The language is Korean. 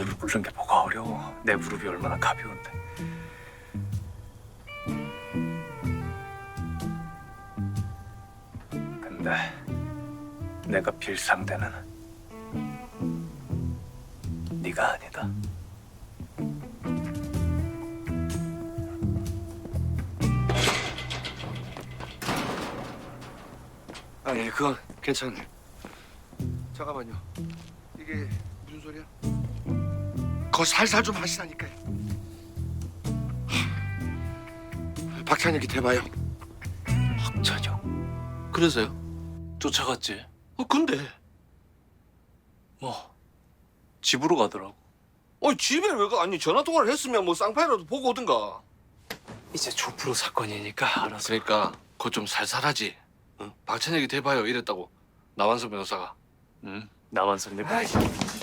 무릎 꿇는 게 뭐가 어려워. 내 무릎이 얼마나 가벼운데. 근데 내가 빌 상대는 네가 아니다. 아니 그건 괜찮네. 잠깐만요. 이게 무슨 소리야? 거 살살 좀 하시라니까요. 박찬혁이 대봐요. 박찬혁 그래서요? 쫓아갔지. 근데 뭐 집으로 가더라고. 집에 왜 가? 아니 전화 통화를 했으면 뭐 쌍파이라도 보고 오든가. 이제 조프로 사건이니까 알아서. 그러니까 그거 좀 살살하지. 응? 박찬혁이 대봐요 이랬다고 나완성 변호사가. 응, 나만선 내.